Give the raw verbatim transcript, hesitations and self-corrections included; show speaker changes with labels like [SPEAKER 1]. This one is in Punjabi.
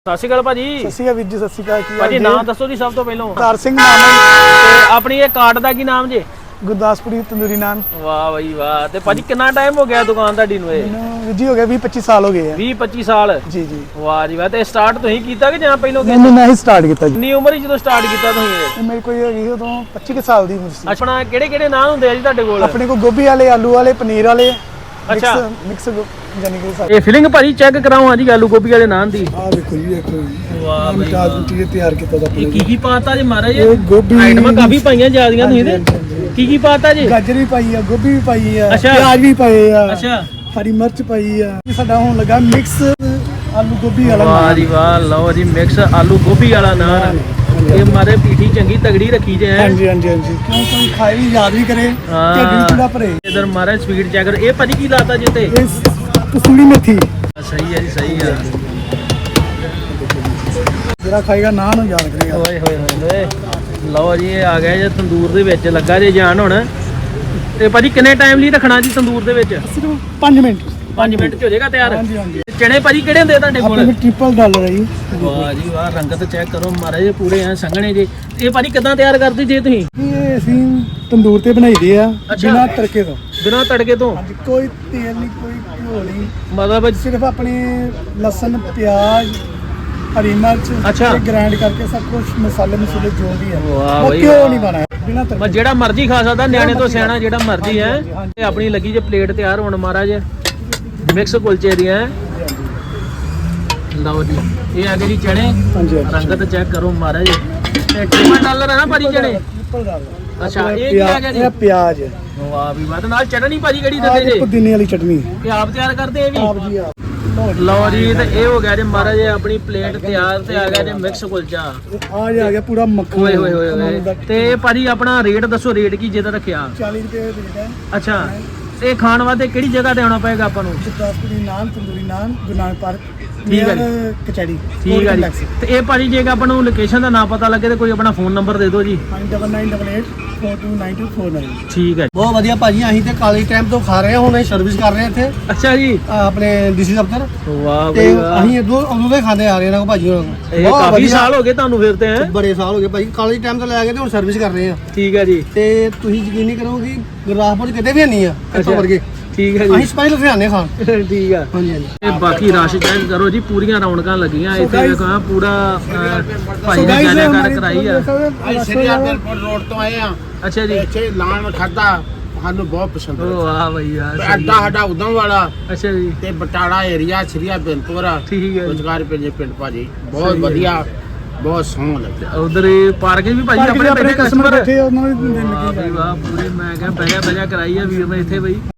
[SPEAKER 1] ਸਤਿ ਸ਼੍ਰੀ ਅਕਾਲ ਭਾਜੀ।
[SPEAKER 2] ਸਤਿ ਸ਼੍ਰੀ ਅਕਾਲ ਵੀਰ ਜੀ। ਸਤਿ ਸ਼੍ਰੀ ਅਕਾਲ। ਕੀ
[SPEAKER 1] ਭਾਜੀ ਨਾਮ ਦੱਸੋ ਜੀ ਸਭ ਤੋਂ ਪਹਿਲਾਂ।
[SPEAKER 2] ਕਾਰ ਸਿੰਘ ਨਾਮ ਹੈ
[SPEAKER 1] ਤੇ ਆਪਣੀ ਇਹ ਕਾਰਡ ਦਾ ਕੀ ਨਾਮ ਜੇ?
[SPEAKER 2] ਗੁਰਦਾਸਪੁਰੀ ਤੰਦੂਰੀ ਨਾਨ।
[SPEAKER 1] ਵਾਹ ਬਈ ਵਾਹ। ਤੇ ਭਾਜੀ ਕਿੰਨਾ ਟਾਈਮ ਹੋ ਗਿਆ ਦੁਕਾਨ ਤੁਹਾਡੀ ਨੂੰ? ਇਹ
[SPEAKER 2] ਮੈਨੂੰ ਵੀਰ ਜੀ ਹੋ ਗਿਆ ਵੀਹ ਪੱਚੀ ਸਾਲ ਹੋ ਗਏ ਆ।
[SPEAKER 1] ਵੀਹ ਪੱਚੀ ਸਾਲ?
[SPEAKER 2] ਜੀ ਜੀ।
[SPEAKER 1] ਵਾਹ ਜੀ ਵਾਹ। ਤੇ ਸਟਾਰਟ ਤੁਸੀਂ ਕੀਤਾ ਕਿ ਜਾਂ ਪਹਿਲਾਂ?
[SPEAKER 2] ਮੈਨੂੰ ਮੈਂ ਹੀ ਸਟਾਰਟ ਕੀਤਾ ਜੀ।
[SPEAKER 1] ਕਿੰਨੀ ਉਮਰ ਹੀ ਜਦੋਂ ਸਟਾਰਟ ਕੀਤਾ ਤੁਸੀਂ?
[SPEAKER 2] ਇਹ ਮੇਰੇ ਕੋਈ ਹੈਗੀ ਉਦੋਂ ਪੱਚੀ ਕੁ ਸਾਲ ਦੀ ਉਮਰ ਸੀ।
[SPEAKER 1] ਆਪਣਾ ਕਿਹੜੇ ਕਿਹੜੇ ਨਾਮ ਹੁੰਦੇ ਆ ਜੀ ਤੁਹਾਡੇ ਕੋਲ?
[SPEAKER 2] ਆਪਣੇ ਕੋਲ ਗੋਭੀ ਵਾਲੇ, ਆਲੂ ਵਾਲੇ, ਪਨੀਰ ਵਾਲੇ।
[SPEAKER 1] ਅੱਛਾ।
[SPEAKER 2] ਮਿਕਸ ਜਾਨੀ ਕਿ ਸਾਰੇ।
[SPEAKER 1] ਇਹ ਫਿਲਿੰਗ ਭਾਜੀ ਚੈੱਕ ਕਰਾਓ ਹਾਂ ਜੀ ਆਲੂ ਗੋਭੀ ਵਾਲੇ ਨਾਨ ਦੀ।
[SPEAKER 2] ਆਹ ਦੇਖੋ ਜੀ, ਦੇਖੋ ਜੀ।
[SPEAKER 1] ਵਾਹ ਬਈ
[SPEAKER 2] ਮਿਠਾਸ ਮਿੱਟੀ ਤਿਆਰ ਕੀਤਾ ਦਾ
[SPEAKER 1] ਇਹ ਕੀ ਕੀ ਪਾਤਾ ਜੀ ਮਹਾਰਾਜ?
[SPEAKER 2] ਇਹ ਗੋਭੀ
[SPEAKER 1] ਆਈਟਮਾਂ ਕਾਫੀ ਪਾਈਆਂ ਜਿਆਦੀਆਂ ਤੁਸੀਂ ਤੇ। ਕੀ ਕੀ ਪਾਤਾ ਜੀ?
[SPEAKER 2] ਗਾਜਰ ਵੀ ਪਾਈ ਆ, ਗੋਭੀ ਵੀ ਪਾਈ ਆ,
[SPEAKER 1] ਅੱਛਾ।
[SPEAKER 2] ਪਿਆਜ਼ ਵੀ ਪਾਏ ਆ,
[SPEAKER 1] ਅੱਛਾ।
[SPEAKER 2] ਹਰੀ ਮਿਰਚ ਪਾਈ ਆ। ਇਹ ਸਾਡਾ ਹੁਣ ਲੱਗਾ ਮਿਕਸ ਆਲੂ ਗੋਭੀ ਵਾਲਾ
[SPEAKER 1] ਵਾਹ
[SPEAKER 2] ਨਾਨ।
[SPEAKER 1] ਜੀ ਵਾਹ। ਲਓ ਜੀ ਮਿਕਸ ਆਲੂ ਗੋਭੀ ਵਾਲਾ ਨਾਨ। ਇਹ ਮਾਰੇ ਪੀਠੀ ਚੰਗੀ ਤਗੜੀ ਰੱਖੀ ਜੇ।
[SPEAKER 2] ਹਾਂਜੀ ਹਾਂਜੀ ਹਾਂਜੀ। ਕਿਉਂ ਕੋਈ ਖਾਏ ਵੀ ਯਾਦ ਵੀ ਕਰੇ, ਢਿੱਡ ਵੀ ਪੂਰਾ ਭਰੇ।
[SPEAKER 1] ਇਧਰ ਮਾਰੇ ਸਪੀਡ ਚੈੱਕ। ਇਹ ਭਾਜੀ ਕੀ ਲਾਤਾ ਜੀ ਤੇ?
[SPEAKER 2] ਇਹ ਕਸੂਰੀ ਮੇਥੀ।
[SPEAKER 1] ਸਹੀ ਹੈ ਜੀ, ਸਹੀ ਹੈ।
[SPEAKER 2] ਜਿਹੜਾ ਖਾਏਗਾ ਨਾਨ ਨੂੰ ਯਾਦ ਕਰੇਗਾ।
[SPEAKER 1] ਓਏ ਹੋਏ ਹੋਏ। ਲਓ ਜੀ ਇਹ ਆ ਗਿਆ ਜੇ ਤੰਦੂਰ ਦੇ ਵਿੱਚ ਲੱਗਾ ਜੇ ਜਾਨ ਹੁਣ। ਤੇ ਭਾਜੀ ਕਿੰਨੇ ਟਾਈਮ ਲਈ ਰੱਖਣਾ ਜੀ ਤੰਦੂਰ ਦੇ ਵਿੱਚ?
[SPEAKER 2] ਸਿਰਫ ਪੰਜ ਮਿੰਟ।
[SPEAKER 1] ਪੰਜ ਮਿੰਟ ਚ ਹੋ ਜਾਏਗਾ ਤਿਆਰ?
[SPEAKER 2] ਹਾਂਜੀ ਹਾਂਜੀ।
[SPEAKER 1] ਚਣੇ ਭਾਜੀ ਕਿਹੜੇ ਹੁੰਦੇ ਤੁਹਾਡੇ ਕੋਲ?
[SPEAKER 2] ਆਪਣੇ ਟ੍ਰਿਪਲ ਡਾਲਰ ਹੈ ਜੀ।
[SPEAKER 1] ਵਾਹ ਜੀ ਵਾਹ। ਰੰਗਤ ਚੈੱਕ ਕਰੋ ਮਹਾਰਾਜ ਪੂਰੇ ਐ ਸੰਘਣੇ ਜੀ। ਇਹ ਭਾਜੀ ਕਿਦਾਂ ਤਿਆਰ ਕਰਦੇ ਜੇ ਤੁਸੀਂ?
[SPEAKER 2] ਇਹ ਅਸੀਂ ਤੰਦੂਰ ਤੇ ਬਣਾਈਦੇ ਆ ਬਿਨਾਂ ਤੜਕੇ ਤੋਂ।
[SPEAKER 1] ਬਿਨਾਂ ਤੜਕੇ ਤੋਂ?
[SPEAKER 2] ਹਾਂਜੀ। ਕੋਈ ਤੇਲ ਨਹੀਂ, ਕੋਈ ਘਿਓ ਨਹੀਂ,
[SPEAKER 1] ਮਤਲਬ
[SPEAKER 2] ਸਿਰਫ ਆਪਣੇ ਲਸਣ, ਪਿਆਜ਼, ਹਰੀ ਮਿਰਚ
[SPEAKER 1] ਅੱਛਾ।
[SPEAKER 2] ਤੇ ਗ੍ਰਾਈਂਡ ਕਰਕੇ ਸਭ ਕੁਝ ਮਸਾਲੇ ਮਸੂਲੇ ਜੋ ਵੀ ਹੈ।
[SPEAKER 1] ਵਾਹ
[SPEAKER 2] ਉਹ
[SPEAKER 1] ਬਈ
[SPEAKER 2] ਘਿਓ
[SPEAKER 1] ਵਾਹ।
[SPEAKER 2] ਨਹੀਂ ਪਾਣਾ ਬਿਨਾਂ
[SPEAKER 1] ਮੈਂ
[SPEAKER 2] ਤੜਕੇ।
[SPEAKER 1] ਜਿਹੜਾ ਮਰਜ਼ੀ ਖਾ ਸਕਦਾ, ਨਿਆਣੇ ਤੋਂ ਸਿਆਣਾ ਜਿਹੜਾ ਮਰਜ਼ੀ ਹੈ। ਇਹ ਆਪਣੀ ਲੱਗੀ ਜੇ ਪਲੇਟ ਤਿਆਰ ਹੋਣ ਮਹਾਰਾਜ ਮਿਕਸ ਕੁਲਚੇ ਦੀਆਂ। ਲਓ ਜੀ ਇਹ ਆ ਗਏ ਜੀ ਚਣੇ।
[SPEAKER 2] ਹਾਂਜੀ ਹਾਂਜੀ।
[SPEAKER 1] ਰੰਗਤ ਚੈੱਕ ਕਰੋ ਮਹਾਰਾਜ। ਤੇ ਟ੍ਰਿਪਲ ਡਾਲਰ ਹੈ ਨਾ ਭਾਜੀ ਚਣੇ?
[SPEAKER 2] Triple dollar.
[SPEAKER 1] ਅੱਛਾ। ਇਹ ਕੀ ਆ ਗਿਆ ਜੀ?
[SPEAKER 2] ਇਹ ਪਿਆਜ਼।
[SPEAKER 1] ਵਾਹ ਵੀ ਵਾਹ। ਤੇ ਨਾਲ ਚਟਨੀ ਭਾਜੀ ਕਿਹੜੀ
[SPEAKER 2] ਆਹ
[SPEAKER 1] ਦਿੰਦੇ
[SPEAKER 2] ਦੇਖੋ
[SPEAKER 1] ਜੀ?
[SPEAKER 2] ਪੁਦੀਨੇ ਵਾਲੀ ਚਟਨੀ।
[SPEAKER 1] ਇਹ ਆਪ ਤਿਆਰ ਕਰਦੇ ਇਹ ਵੀ?
[SPEAKER 2] ਆਪ ਜੀ ਆਪ।
[SPEAKER 1] ਲਓ ਜੀ ਤੇ ਇਹ ਹੋ ਗਿਆ ਜੀ ਮਹਾਰਾਜ ਆਪਣੀ ਪਲੇਟ ਤਿਆਰ। ਤੇ ਆ ਗਿਆ ਜੀ ਮਿਕਸ ਕੁਲਚਾ।
[SPEAKER 2] ਆ ਜਾ ਗਿਆ ਪੂਰਾ ਮੱਖਣ।
[SPEAKER 1] ਓਏ ਹੋਏ ਹੋਏ ਹੋਏ। ਤੇ ਭਾਜੀ ਆਪਣਾ ਰੇਟ ਦੱਸੋ, ਰੇਟ ਕੀ ਜਿਹਦਾ ਰੱਖਿਆ?
[SPEAKER 2] ਚਾਲੀ ਰੁਪਏ ਦੇ ਦੇਦਾ।
[SPEAKER 1] ਅੱਛਾ। ਤੇ ਖਾਣ ਵਾਸਤੇ ਕਿਹੜੀ ਜਗ੍ਹਾ ਤੇ ਆਉਣਾ ਪਏਗਾ ਆਪਾਂ ਨੂੰ?
[SPEAKER 2] ਗੁਰਦਾਸਪੁਰੀ ਨਾਨ, ਤੰਦੂਰੀ ਨਾਨ, ਗੁਰੂ ਨਾਨਕ ਪਾਰਕ,
[SPEAKER 1] ਠੀਕ ਹੈ ਜੀ।
[SPEAKER 2] ਕਚਹਿਰੀ।
[SPEAKER 1] ਠੀਕ ਹੈ ਜੀ। ਤੇ ਇਹ ਭਾਜੀ ਜੇ ਆਪਾਂ ਨੂੰ ਲੋਕੇਸ਼ਨ ਦਾ ਨਾ ਪਤਾ ਲੱਗੇ ਤੇ ਕੋਈ ਆਪਣਾ ਫੋਨ ਨੰਬਰ ਦੇ ਦਿਓ ਜੀ।
[SPEAKER 2] Nine double nine double eight four two nine two four nine.
[SPEAKER 1] ਠੀਕ ਹੈ।
[SPEAKER 3] ਬਹੁਤ ਵਧੀਆ ਭਾਜੀ। ਅਸੀਂ ਤੇ ਕਾਲੀ ਟਾਈਮ ਤੋਂ ਖਾ ਰਹੇ ਹਾਂ, ਹੁਣ ਅਸੀਂ ਸਰਵਿਸ ਕਰ ਰਹੇ ਹਾਂ ਇੱਥੇ
[SPEAKER 1] ਅੱਛਾ ਜੀ।
[SPEAKER 3] ਅਹ ਆਪਣੇ ਡੀਸੀ ਦਫ਼ਤਰ।
[SPEAKER 1] ਵਾਹ
[SPEAKER 3] ਤੇ
[SPEAKER 1] ਬਈ ਵਾਹ।
[SPEAKER 3] ਅਸੀਂ ਇਦੋਂ ਉਦੋਂ ਦੇ ਖਾਂਦੇ ਆ ਰਹੇ ਹਾਂ ਭਾਜੀ ਹੋਰਾਂ ਕੋਲ।
[SPEAKER 1] ਇਹ
[SPEAKER 3] ਬਹੁਤ
[SPEAKER 1] ਕਾਫੀ
[SPEAKER 3] ਵਧੀਆ।
[SPEAKER 1] ਸਾਲ ਹੋ ਗਏ ਤੁਹਾਨੂੰ ਫਿਰ ਤੇ ਹੈਂ?
[SPEAKER 3] ਬੜੇ ਸਾਲ ਹੋ ਗਏ ਭਾਜੀ। ਕਾਲੀ ਟਾਈਮ ਤੋਂ ਲੈ ਕੇ ਤੇ ਹੁਣ ਸਰਵਿਸ ਕਰ ਰਹੇ ਹਾਂ।
[SPEAKER 1] ਠੀਕ ਹੈ ਜੀ।
[SPEAKER 3] ਤੇ ਤੁਸੀਂ ਯਕੀਨ ਨਹੀਂ ਕਰੋਗੇ ਗੁਰਦਾਸਪੁਰ 'ਚ ਕਿਤੇ ਵੀ ਨਹੀਂ ਆ ਇੱਥੋਂ ਵਰਗੇ।
[SPEAKER 1] ਠੀਕ ਹੈ
[SPEAKER 3] ਅਸੀਂ
[SPEAKER 1] ਜੀ।
[SPEAKER 3] ਸਪੈਸ਼ਲ ਲੁਧਿਆਣੇ ਖਾਣ।
[SPEAKER 1] ਠੀਕ ਆ।
[SPEAKER 3] ਹਾਂਜੀ ਹਾਂਜੀ।
[SPEAKER 1] ਤੇ ਬਾਕੀ ਰਸ਼ ਚੈੱਕ ਕਰੋ ਜੀ, ਪੂਰੀਆਂ ਰੌਣਕਾਂ ਲੱਗੀਆਂ ਇੱਥੇ। ਵੇਖੋ ਆਹ ਪੂਰਾ ਅਹ, ਭਾਈ ਨੇ ਜਾਣਕਾਰ ਕਰਾਈ ਆ।
[SPEAKER 4] ਅਸੀਂ ਸ੍ਰੀ ਆਦਰਪੁਰ ਰੋਡ ਤੋਂ ਆਏ ਆ।
[SPEAKER 1] ਅੱਛਾ ਜੀ।
[SPEAKER 4] ਇੱਥੇ ਲਾਣ ਖਾਦਾ ਸਾਨੂੰ ਬਹੁਤ ਪਸੰਦ
[SPEAKER 1] ਓ
[SPEAKER 4] ਆਇਆ।
[SPEAKER 1] ਵਾਹ ਬਈ ਯਾਰ। ਸਹੀ
[SPEAKER 4] ਅੱਡਾ
[SPEAKER 1] ਹੈ।
[SPEAKER 4] ਸਾਡਾ ਉਦਮ ਵਾਲਾ
[SPEAKER 1] ਅੱਛਾ ਜੀ।
[SPEAKER 4] ਤੇ ਬਟਾਲਾ ਏਰੀਆ ਸ੍ਰੀਆ ਬਿੰਦਪੁਰਾ
[SPEAKER 1] ਠੀਕ ਹੈ ਜੀ।
[SPEAKER 4] ਰੋਜ਼ਗਾਰ ਪਿੰਡ ਪਿੰਡ ਭਾਜੀ ਬਹੁਤ
[SPEAKER 1] ਸਹੀ ਹੈ।
[SPEAKER 4] ਵਧੀਆ, ਬਹੁਤ ਸੋਹਣਾ ਲੱਗਿਆ।
[SPEAKER 1] ਉਧਰ ਪਾਰਕ ਵੀ ਭਾਜੀ ਆਪਣੇ
[SPEAKER 2] ਆਪਣੇ
[SPEAKER 1] ਬੈਠੇ
[SPEAKER 2] ਕਸਟਮਰ
[SPEAKER 1] ਕਸਟਮਰ।
[SPEAKER 2] ਬੈਠੇ ਉਹਨਾਂ ਨੂੰ ਦਿਨ
[SPEAKER 1] ਵਾਹ ਬਈ ਵਾਹ। ਪੂਰੇ ਮੈਂ ਕਿਹਾ ਬਹਿਆ ਬਹਿਆ ਕਰਾਈ ਆ ਵੀਰ ਨੇ ਇੱਥੇ ਬਈ।